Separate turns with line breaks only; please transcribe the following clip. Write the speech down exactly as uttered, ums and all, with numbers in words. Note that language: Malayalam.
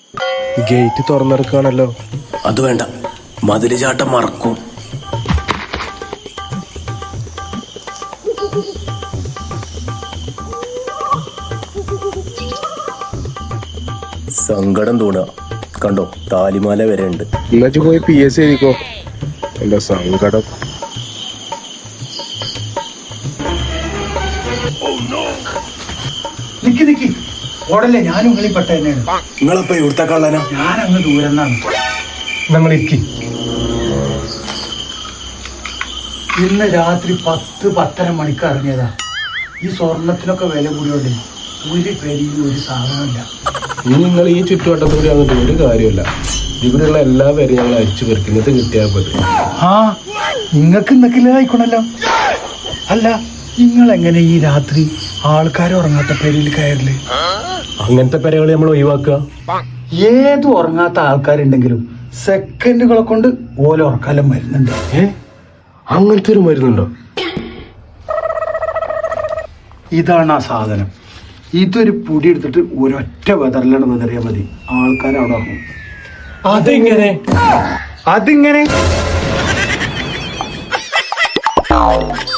ഗേറ്റ് തുറന്നെടുക്കുകയാണല്ലോ.
അത് വേണ്ട, മതില് ചാട്ടം മറക്കും. സങ്കടം തോന്നുക. കണ്ടോ, താലിമാല വരെ ഉണ്ട്.
എന്നു പോയി പി എസ് എഴുതിക്കോ. എന്റെ സങ്കടം.
നിക്കി നിക്കി ഓടല്ലേ, ഞാനും കളിപ്പെട്ട തന്നെയാണ്.
നിങ്ങളപ്പോ ഇവിടുത്തെ കള്ളനാ?
ഞാൻ അങ്ങ് ദൂരെന്നാണ്. ഞങ്ങൾ ഇരിക്കി. ഇന്ന് രാത്രി പത്ത് പത്തര മണിക്ക് ഇറങ്ങിയതാ. ഈ സ്വർണത്തിനൊക്കെ വില കൂടിയോണ്ട് ഒരു പേരിൽ ഒരു സാധനമില്ല.
ഇനി നിങ്ങൾ ഈ ചുറ്റുവട്ടത്തൂടെ വന്നിട്ട് ഒരു കാര്യമില്ല. ഇവിടെയുള്ള എല്ലാ പേരും ഞങ്ങൾ അയച്ചു പെറുക്കുന്നത് കിട്ടിയാൽ പോലെ.
ആ നിങ്ങൾക്ക് ഇന്നൊക്കെ ആയിക്കോണല്ലോ. അല്ല, നിങ്ങൾ എങ്ങനെ ഈ രാത്രി ആൾക്കാർ ഉറങ്ങാത്ത പേരിൽ കയറില്?
അങ്ങനത്തെ പേരുകൾ നമ്മൾ ഒഴിവാക്കുക.
ഏത് ഉറങ്ങാത്ത ആൾക്കാരുണ്ടെങ്കിലും സെക്കൻഡുകളെ കൊണ്ട് ഓല ഉറക്കാലം വരുന്നുണ്ട്.
ഏ അങ്ങനത്തെ ഒരു മരുന്നുണ്ടോ?
ഇതാണ് ആ സാധനം. ഇതൊരു പൊടി എടുത്തിട്ട് ഒരൊറ്റ വെതറിലാണ് വെതറിയാൽ മതി, ആൾക്കാർ അവിടെ ഉറങ്ങും.
അതെങ്ങനെ?
അതിങ്ങനെ